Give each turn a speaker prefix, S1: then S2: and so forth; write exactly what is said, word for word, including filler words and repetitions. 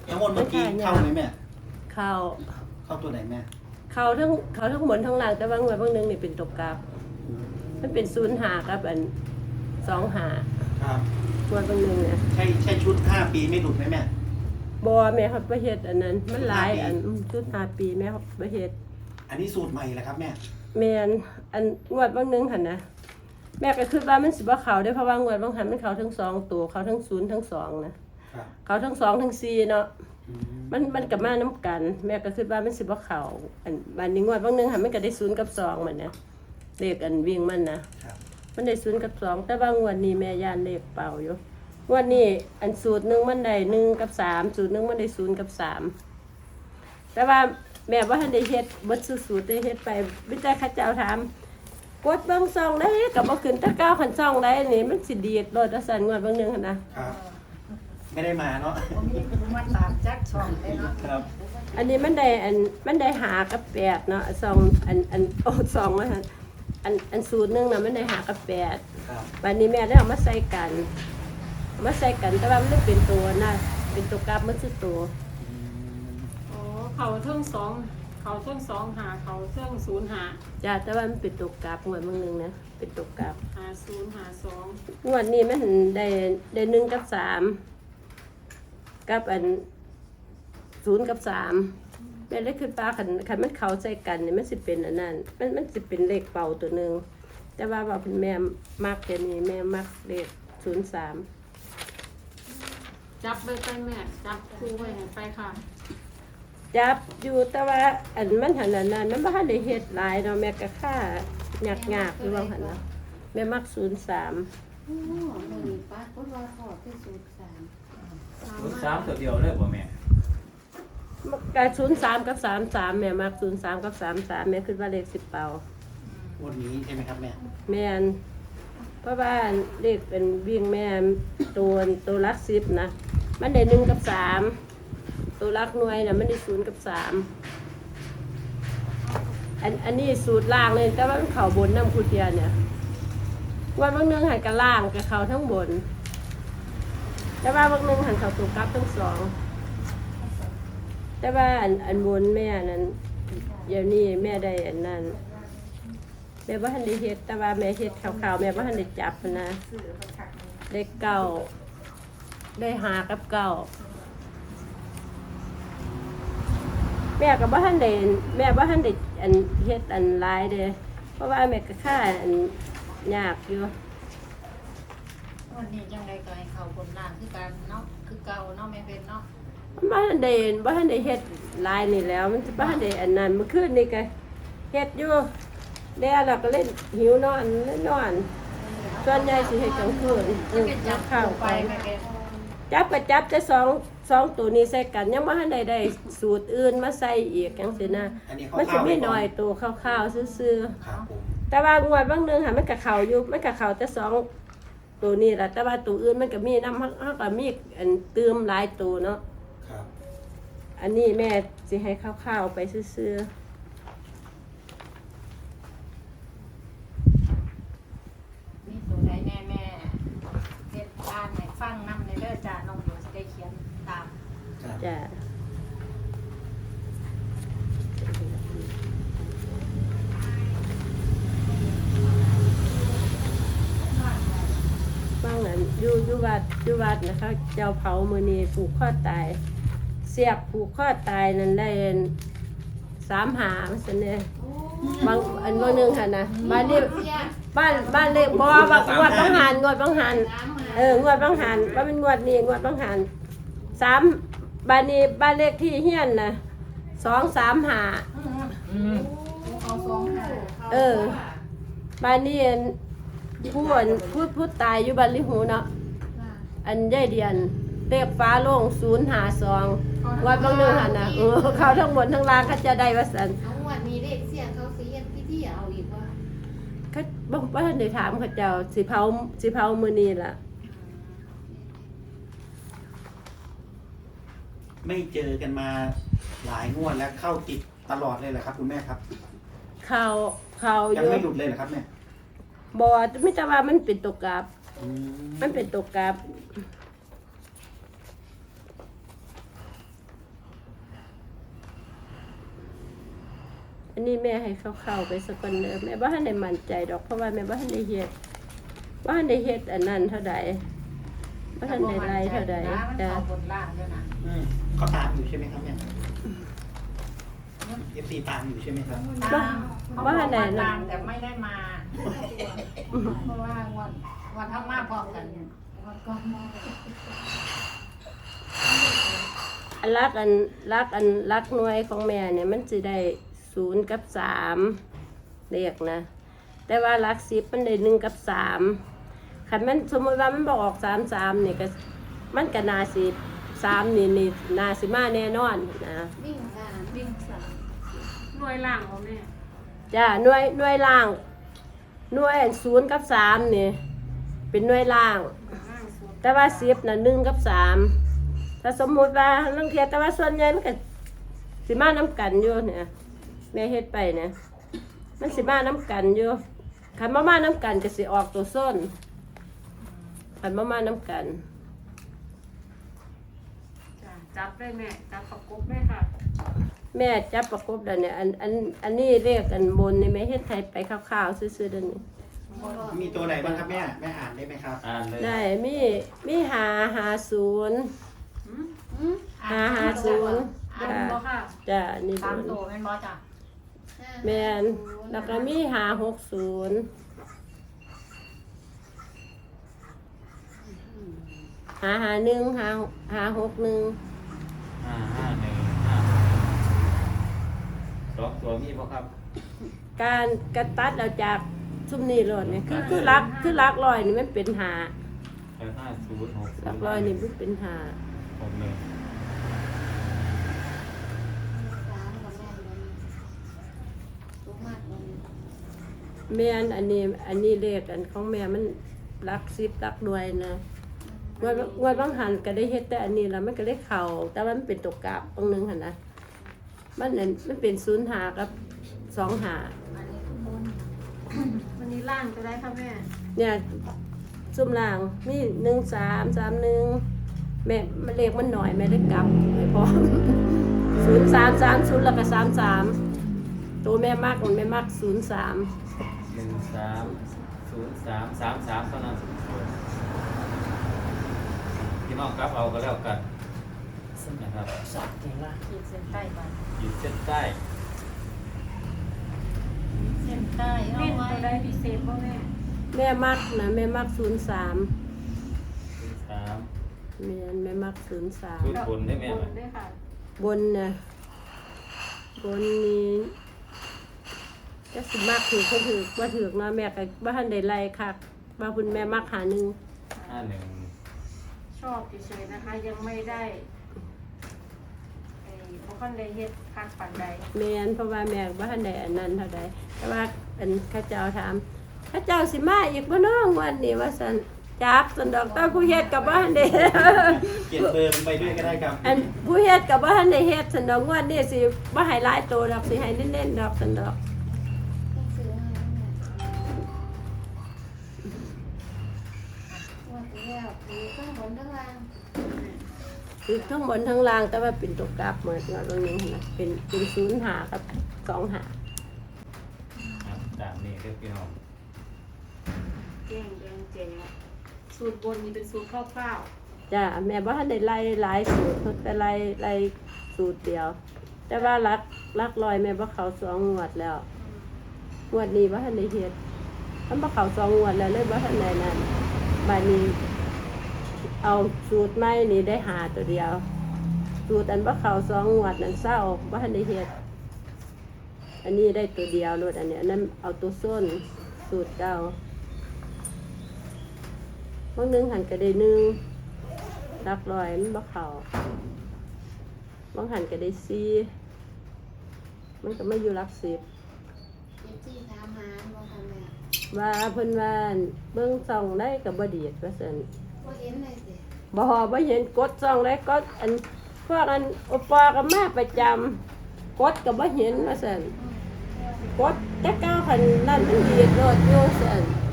S1: แล้ววันเมื่อกี้เข้าไหมแม่
S2: เข้า
S1: เข้าตัวไหนแม่
S2: เข้าทั้งเข้าทั้งบนทั้งล่างแต่บางวันบางนึงนี่เป็นตกกราฟมันเป็นศูนย์หากับอันสองหา
S1: ครับ
S2: วันบางนึงเนี่ย
S1: ใช่ใช่ชุดห้าปีไม่หลุดไหมแม่
S2: บอแม่เขาประเฮ็ดอันนั้นมันหลายอันชุดห้าปีแม่เขาประเฮ็ด
S1: อันนี้สูตรใหม่แหละครับแม่
S2: แม่นอันงวดบางนึงหั่นนะแม่ก็คิดว่ามันสิบ่เข้าได้เพราะว่างวดบางหันมันเข้าทั้งสองตัวเข้าทั้งศูนย์ทั้งสองนะเข้าทั้งสองทั้งสี่เนาะมันมันกับมาน้ำกันแม่ก็คิดว่ามันสิบ่เข้าอันบัดนี้งวดบางนึงหันมันก็ได้ศูนย์กับสองมันนะเลขอันวิ่งมันนะมันได้ศูนย์กับสองแต่ว่างวดนี้แม่ย่านเลขเป่าอยู่งวดนี้อันสูตรหนึ่งมันได้หนึ่งกับสามสูตรหนึ่งมันได้ศูนย์กับสามแต่ว่าแม่ว่าทันได้เฮ็ดเบิดสูตรได้เฮ็ดไปวิจัยข้าเจ้าถามกดเบิ่งซองได้กับบ่ขึ้นแต่เก้าคันซองได้นี่มันสิดีดโลดสั่นงวดเบิ่งนึงหั่นนะครับ
S1: ไม่ได้มาเนาะ
S3: มีผู้มาตามจักช่องได้เนาะ
S1: ครับ
S2: อันนี้มันได้อันมันได้หากับแปดเนาะซองอันอันโอ้ซองว่าหั่นอันอันสูตรนึงน่ะมันได้หากับแปดครับบัดนี้แม่ได้เอามาใส่กันมาใส่กันแต่ว่ามันไม่เป็นตัวนะเป็นตัวกราฟมันคือตัว
S4: อ๋อเขาเท่งสองเขาเท่งสองหาเขาเท่งศูนย์หา
S2: จ้าแต่ว่ามันเป็นตัวกราฟงวดมึงนึงนะเป็นตัวกราฟ
S4: หาศูนย์หาสอง
S2: งวดนี้มันได้ได้หนึ่งกับสามกับอันศูนย์กับสามแม่ได้ขึ้นปลาขันขันมันเขาใส่กันเนี่ยมันสิเป็นอันนั้นมันมันสิเป็นเลขเป่าตัวหนึ่งแต่ว่าว่าเป็นแม่มักเดี๋ยวนี้แม่มักเลขศูนย์สาม
S4: จับไปไปแม่จับคู่ไว้ไปค่ะ
S2: จับอยู่แต่ว่าอันมันหันนั้นมันบ่ทันได้เฮ็ดหลายเนาะแม่ก็ค่าหยักๆอยู่ว่าหั่นเนาะแม่มักศูนย์สาม
S3: โอ้นี่ป้าก็รอขอที่ศูนย์สาม
S5: ศูนย์สามตัวเดียวเลยบ่แม่
S2: ก็ศูนย์สามกับสามสามแม่มักศูนย์สามกับสามสามแม่คิดว่าเลขสิบเป่า
S1: วันนี้ใช่ไหมครับแม่
S2: แม่นเพราะว่าเลขเป็นวิ่งแม่ตัวตัวลักสิบนะมันได้หนึ่งกับสามตัวลักหน่วยนะมันได้ศูนย์กับสามอันอันนี้สูตรล่างเลยแต่ว่ามันเข่าบนน้ำคูเทียเนี่ยวันบางนึงหันกับล่างกับเข่าทั้งบนแต่ว่าบางนึงหันเข่าตัวกลับทั้งสองแต่ว่าอันอันบนแม่นั้นเดี๋ยวนี้แม่ได้อันนั้นแม่ว่าทันได้เฮ็ดแต่ว่าแม่เฮ็ดขาวๆแม่ว่าทันได้จับนะได้เก้าได้หากับเก้าแม่กับว่าทันได้แม่ว่าทันได้อันเฮ็ดอันหลายเด้เพราะว่าแม่ก็ค่าอันยากอยู่
S3: วันนี้จังได๋ก็ให้เขาบนล่างคือกันเนาะคือเก่าเนาะแม่เป็นเนาะ
S2: บ่ทันได้บ่ทันได้เฮ็ดหลายนี่แล้วมันสิบ่ทันได้อันนั้นเมื่อคืนนี่ก็เฮ็ดอยู่แล้วเราก็เล่นหิวนอนเล่นนอนส่วนใหญ่สิให้กลางคืนจับข้าวไปจับก็จับแต่สองสองตัวนี้ใส่กันยังไม่ทันได้ได้สูตรอื่นมาใส่อีกจังซี่นะมันสิมีน้อยตัวข้าวๆซื่อๆแต่ว่างวดบางนึงค่ะมันก็เข้าอยู่มันก็เข้าแต่สองตัวนี้ล่ะแต่ว่าตัวอื่นมันก็มีนำเฮาก็มีอันเติมหลายตัวเนาะครับอันนี้แม่สิให้ข้าวๆไปซื่อๆ
S3: แม่แม่เฮ็ดอ่านให้ฟังนำในเด้อจ้าน้องเดี๋ยวสิได้เขียนตาม
S2: จ้ะบางนั้นอยู่อยู่วัดอยู่วัดนะคะเจ้าเผามื้อนี้ผูกคอตายเสียบผูกคอตายนั่นได้สามหาซั่นเด้บางอันบ่นึงหั่นน่ะบ้านนี้บ้านบ้านเลขบ่ว่างวดบางหันงวดบางหันเอองวดบางหันว่าเป็นงวดนี้งวดบางหันสามบ้านนี้บ้านเลขที่เฮียนน่ะสองสามห้า
S3: อืมเอาสองห้า
S2: เออบ้านนี้ผู้ผู้ผู้ตายอยู่บ้านลิหูเนาะอันยายเดียนเลขฟ้าโล่งศูนย์ห้าสองงวดบางนึงหั่นน่ะเออเขาทั้งบนทั้งล่างเขาจะได้ว่าซั่น
S3: วันนี้เลขเสียงเขาสิเฮ็ดพิธีเอาอีกว่า
S2: เขาบ่บ่ทันได้ถามเขาเจ้าสิเผาสิเผามื้อนี้ล่ะ
S1: ไม่เจอกันมาหลายงวดแล้วเข้าติดตลอดเลยเหรอครับคุณแม่ครับ
S2: เข้าเข้า
S1: อยู่ยังไม่หลุดเลยเหรอครับแม่
S2: บ่มีแต่ว่ามันเป็นตัวกราฟมันเป็นตัวกราฟอันนี้แม่ให้เข้าๆไปสักคนเด้อแม่บ่ทันได้มั่นใจดอกเพราะว่าแม่บ่ทันได้เฮ็ดบ่ทันได้เฮ็ดอันนั้นเท่าใดบ่ทันได้ไล่เท่าใด
S3: นะมัน
S2: จ้ะ
S3: เข้าบนล่างด้วยนะ
S1: อืมเขาตามอยู่ใช่ไหมครับเนี่ยเอฟซีตามอยู่ใช่ไหมครับ
S3: ตามเขาบอกว่าตามแต่ไม่ได้มา เพราะว่างวันวันทั้งมาพร้อมกันเนี่ยวันก็มา
S2: อันรักอันรักอันรักหน่วยของแม่เนี่ยมันสิได้ศูนย์กับสามเลขนะแต่ว่ารักสิบมันได้หนึ่งกับสามคันมันสมมติว่ามันบอกออกสามสามเนี่ยก็มันก็นาสิสามนี่นี่นาสิมาแน่นอนนะ
S3: วิ่งสามวิ่งสาม
S4: หน่วยล่างบ่แม่
S2: จ้าหน่วยหน่วยล่างหน่วยศูนย์กับสามนี่เป็นหน่วยล่าง
S4: ล่างสุด
S2: แต่ว่าสิบน่ะหนึ่งกับสามถ้าสมมุติว่าลังเทียแต่ว่าส่วนใหญ่มันก็สิมาน้ำกันอยู่เนี่ยแม่เฮ็ดไปเนี่ยมันสิมาน้ำกันอยู่คันมามาน้ำกันก็สิออกตัวส้นคันมามาน้ำกัน
S4: จ้ะจับได้แม่จับประกบได้ค่ะ
S2: แม่จับประกบแล้วเนี่ยอันอันอันนี้เรียกกันบนนี่แม่เฮ็ดไทยไปคร่าวๆซื่อๆเด้อนี่
S1: มีตัวไหนบ้างครับแม่แม่อ่านได้ไหมครับ
S5: อ่านเลย
S2: ได้มีมีหาหาศูนย์
S4: หืม
S3: อืม
S2: หาหาศูนย์
S4: อันบ่ค่ะ
S2: จ้ะนี่
S3: สาม
S2: บ
S3: ตัวน เป็นบอจ้ะ
S2: แม่นแล้วก็มีหาหกศูนย์หาหาหนึ่งหาหาหกหนึ่ง
S5: ห้าห้าหนึ่งห้าสองตัวมีบ่ครับ
S2: การกระตัดเราจากซุมนี้รถเนี่ยคือคือรักคือรักลอยนี่มันเป็นหา
S5: แปดห้าศูนย์หกศู
S2: รั
S5: น
S2: ก
S5: ย์
S2: ลอยนี่มันเป็นหา
S5: หกหนึ่ง
S3: สามกับแม่เลยลูกมากเลย
S2: แม่นอันนี้อันนี้เลขอันของแม่มันรักสิบรักด้วยนะงวดงวดบางหันก็ได้เฮ็ดแต่อันนี้แล้วมันก็ได้เข่าแต่ว่ามันเป็นตกกราบบางนึงหันนะมันนั่นมันเป็นศูนย์หากับสองหา
S3: อันนี้ทุกคน
S4: วันนี้ล่างจะได้ค่ะแม่
S2: เนี่ยซุ่มล่างมีหนึ่งสามสามหนึ่งแม่มันเลขมันหน่อยแม่ได้กลับไม่พอ ศูนย์สามสามศูนย์แล้วก็สามสามตัวแม่มากมันแม่มากศูนย์สาม
S5: หนึ่งสามศูนย์สามสามสามเท่านั้นพี่น้องครับเอาก็แล้วกันนะครับ
S3: ขีดเส้นใต้ไป
S5: ขีดเส้นใต้
S3: เส้นใต้เอา
S4: เม่น
S3: ไว้
S4: ตัวได้พิเศษบ่แม่
S2: แม่มากนะแม่มากศูนย์สาม
S5: ศูนย์สาม
S2: แม่นแม่มากศูนย์สาม
S5: ชุดบนได้ไหม
S4: บนได้ค่ะ
S2: บนนะบนนี้จะสิมากถือเขาถือว่าถือเนาะแม่ก็บ้านใดไรค่ะว่าคุณแม่มากหาหนึ่ง
S5: ห้าหนึ่ง
S4: ชอบเฉยๆนะคะ ยังไม่ได้ไอ้บ่คันได้เฮ็ดคักปานใด
S2: แม่นเพราะว่าแม่บ้านใดอันนั้นเท่าใดแต่ว่าอันข้าเจ้าถามข้าเจ้าสิมาอีกบ่น้องวันนี้ว่าสันจักสันดอกตาผู้เฮ็ดกับบ้านเด้
S1: เขียนเบอร์ลงไปด้วยก็ได้ครับ
S2: อันผู้เฮ็ดกับบ้านได้เฮ็ดสันดอกงวันนี้สิบ่ให้หลายโตดอกสิให้เน้นๆดอกสันดอก
S3: ต้องซื้อให้แม่ว่าไปแล้วมีข้างบนข้างล่าง
S2: คือทั้งบนทั้งล่างแต่ว่าเป็นตัวกราฟเหมือนกันตรงนี้นะเป็นเป็นศูนย์หากับสองหา
S5: ครับตามนี้เรียกพี่น้อง
S4: แจ้งแดงแจ๋สูตรบนนี่เป็นสูตรคร่าว
S2: จ้าแม่บ่ทันได้ไล่หลายสูตรเพิ่นแต่ไล่ไล่สูตรเดียว แต่ว่ารักรักลอยแม่บ่เขาสองงวดแล้วงวดนี้บ่ทันได้เฮ็ดมันบ่เขาสองงวดแล้วเลยบ่ทันได้นั่นบัดนี้ เอาสูตรใหม่นี่ได้หาตัวเดียว สูตรอันบ่เขาสองงวดนั้นเศร้าบ่ทันได้เฮ็ดอันนี้ได้ตัวเดียวโลดอันเนี้ยอันนั้นเอาตัวส้นสูตรเก่าบางหนึงหันก็ได้หนึ่งรักลอยมันบ่เขาบางหันก็ได้สี่มันก็ไม่อยู่รักสิบ
S3: เจ็บที่ถามหาบ่ทำแม่
S2: ว่าเพิ่นว่าเบิ่งส่องได้ก็บ่ดีดว่าซั่น
S3: บ่เห็นเลยสิ
S2: บ่บ่เห็นกดส่องได้ก็อันพวกอันโอปอก็มาประจำกดก็บ่เห็นว่าซั่นกดแต่ก้าวคันนั่นมันดีดโลดอยู่ซั่น